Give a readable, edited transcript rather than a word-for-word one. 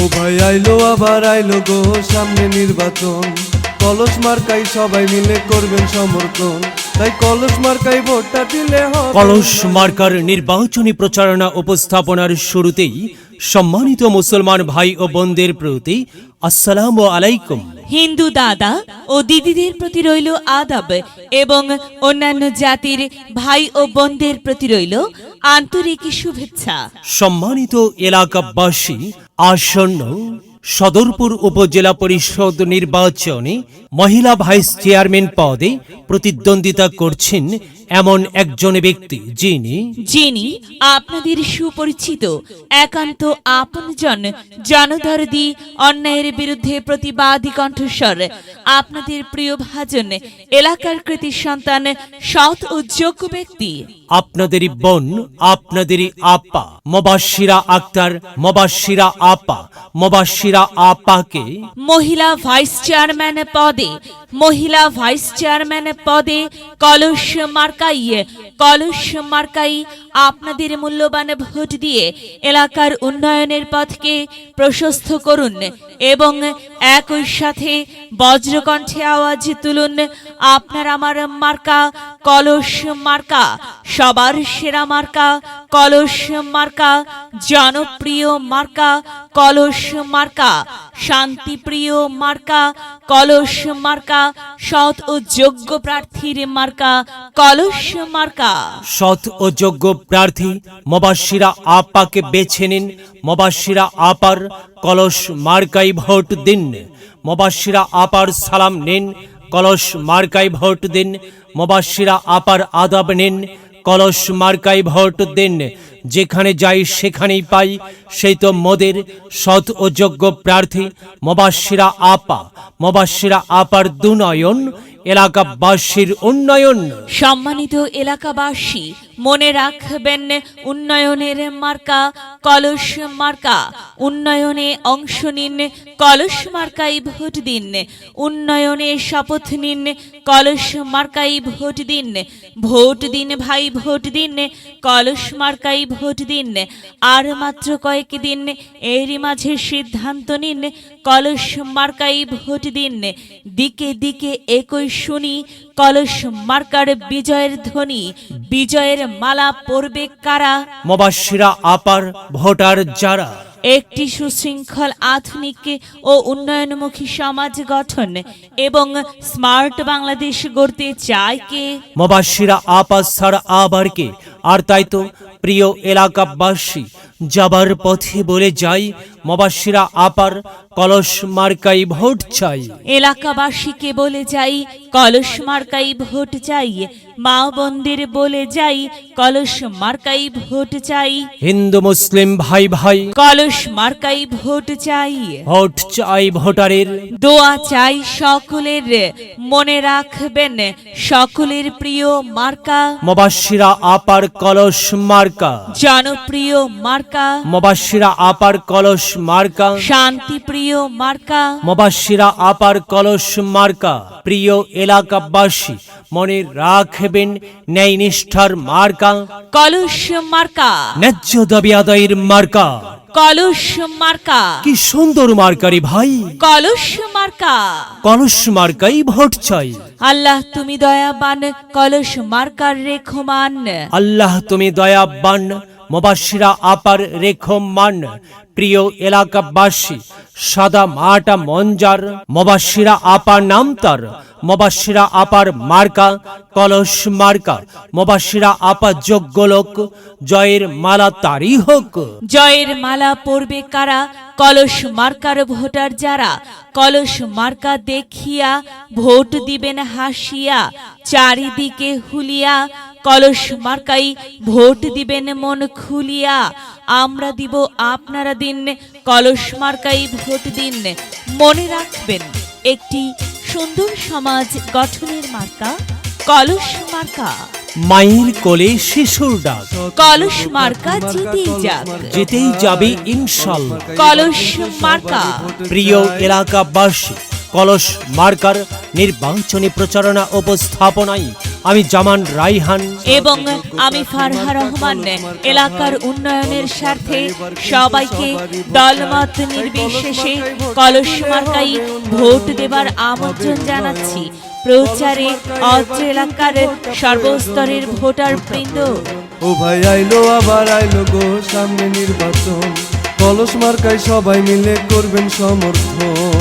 ও ভাই আইলো আবার আইলো গো সামনে নির্বাচন, কলস মার্কাই সবাই মিলে করবেন সমর্থন, তাই কলস মার্কাই ভোটটা দিলে হবে। কলস মার্কার নির্বাচনী প্রচারণা উপস্থাপনার শুরুতেই সম্মানিত মুসলমান ভাই ও বোনদের প্রতি আসসালামু আলাইকুম। হিন্দু দাদা ও দিদিদের প্রতি রইল আদাব এবং অন্যান্য জাতির ভাই ও বোনদের প্রতি রইল আন্তরিক শুভেচ্ছা। সম্মানিত এলাকাবাসী, আসন্ন সদরপুর উপজেলা পরিষদ নির্বাচনে মহিলা ভাইস চেয়ারম্যান পদে প্রতিদ্বন্দ্বিতা করছেন এমন একজন ব্যক্তি যিনি আপনাদের সুপরিচিত একান্ত আপনজন, জনদরদি, অন্যায়ের বিরুদ্ধে প্রতিবাদী কণ্ঠস্বর, আপনাদের প্রিয় ভাজন, এলাকার কৃতি সন্তান, সৎ ও যোগ্য ব্যক্তি, আপনাদেরই বোন, আপনাদেরই আপা মোবাশ্বিরা আক্তার, মোবাশ্বিরা আপাকে মহিলা ভাইস চেয়ারম্যান পদে কলস মার্কাই আপনাদের মূল্যবান ভোট দিয়ে এলাকার উন্নয়নের পথকে প্রশস্ত করুন এবং একই সাথে বজ্রকণ্ঠে আওয়াজ তুলুন, আপনার আমার মার্কা কলস মার্কা, সবার সেরা মার্কা কলস মার্কা, জনপ্রিয় মার্কা কলস মার্কা, শান্তিপ্রিয় মার্কা কলস মার্কা, সৎ ও যোগ্য প্রার্থীর মার্কা কলস মার্কা। সৎ ও যোগ্য প্রার্থী মোবাশ্বিরা আপাকে বেছে নিন। মোবাশ্বিরা আপার কলস মার্কাই ভোট দিন। মোবাশ্বিরা আপার সালাম নিন, কলস মার্কাই ভোট দিন। মোবাশ্বিরা আপার আদাব নিন, কলস মার্কাই ভোট দিন। যেখানে যাই সেখানেই পাই, সেই তো মোদের সৎ ও যোগ্য প্রার্থী মোবাশ্বিরা আপার দুনয়ন, এলাকাবাসীর উন্নয়ন। সম্মানিত এলাকাবাসী, মনে রাখবেন, উন্নয়নের মার্কা কলস মার্কা। উন্নয়নে অংশ নিন, কলস মার্কাই ভোট দিন। উন্নয়নে শপথ নিন, কলস মার্কাই ভোট দিন। ভোট দিন ভাই, ভোট দিন, কলস মার্কাই ভোট দিন। আর মাত্র কয়েকদিন, এরই মাঝে সিদ্ধান্ত নিন, কলস মার্কাই ভোট দিন। দিকে দিকে একই শুনি কলস মার্কার বিজয়ের ধ্বনি। বিজয়ের মালা পরবে কারা? মোবাশ্বিরা আপার ভোটার যারা। একটি সুশৃঙ্খল, আধুনিক ও উন্নয়নমুখী সমাজ গঠন এবং স্মার্ট বাংলাদেশ গড়তে চায় কে? মোবাশ্বিরা আপা ছাড়া আবার কে? আর তাই তো প্রিয় এলাকাবাসী, যাবার পথে বলে যাই, মোবাশ্বিরা আপার কলস মার্কাই ভোট চাই। এলাকাবাসীকে বলে যাই, কলস মার্কাই ভোট চাই। মা বোনদের বলে যাই, কলস মার্কাই ভোট চাই। হিন্দু মুসলিম ভাই ভাই, কলস মার্কাই ভোট চাই। ভোট চাই ভোটারের, দোয়া চাই সকলের। মনে রাখবেন, সকলের প্রিয় মার্কা মোবাশ্বিরা আপার কলস মার্কা। জনপ্রিয় মার্কা মোবাশ্বিরা আপার কলস মার্কা। শান্তিপ্রিয় মার্কা মোবাশ্বিরা আপার কলস মার্কা। প্রিয় এলাকাবাসী, মনে রাখবেন, ন্যায় নিষ্ঠার মার্কা কলস মার্কা। ন্যায্য দাবি আদায়ের মার্কা কলস মার্কা। কি সুন্দর মার্কারি ভাই, কলস মার্কা। কলস মার্কাই ভোট চাই। আল্লাহ তুমি দয়াবান, কলস মার্কার রেখমান। আল্লাহ তুমি দয়াবান, মোবাশ্বিরা আপার রেখমান। প্রিয় এলাকাবাসী, সাদা মাটা মঞ্জার, মোবাশ্বিরা আপার নাম তার। মোবাশ্বিরা আপার মার্কা কলস মার্কা। মোবাশ্বিরা আপা যোগ্য লোক, জয়ের মালা তারই হোক। জয়ের মালা পরবে কারা? কলস মার্কার ভোটার যারা। কলস মার্কা দেখিয়া ভোট দিবেন হাসিয়া, চারিদিকে হুলিয়া। কলস মার্কাই ভোট দিবেন মন খুলিয়া। আমরা দিব, আপনারা দিন, কলস মার্কাই ভোট দিন। মনে রাখবেন, একটি সুন্দর সমাজ গঠনের মার্কা কলস মার্কা। মায়ের কোলে শিশুর ডাক, কলস মার্কা জিতেই যাবে ইনশাল্লাহ। কলস মার্কা। প্রিয় এলাকাবাসী, কলস মার্কার নির্বাচনী প্রচারণা উপস্থাপনায় আমি জামান রাইহান এবং আমি ফারহা রহমান এলাকার উন্নয়নের স্বার্থে সবাইকে দলমত নির্বিশেষে কলস মার্কাই ভোট দেবার আমন্ত্রণ জানাচ্ছি। প্রচারে অত্র এলাকার সর্বস্তরের ভোটার বৃন্দ। ও ভাই আইলো আবার আইলো গো সামনে নির্বাচন, কলস মার্কায় সবাই মিলে করবেন সমর্থন।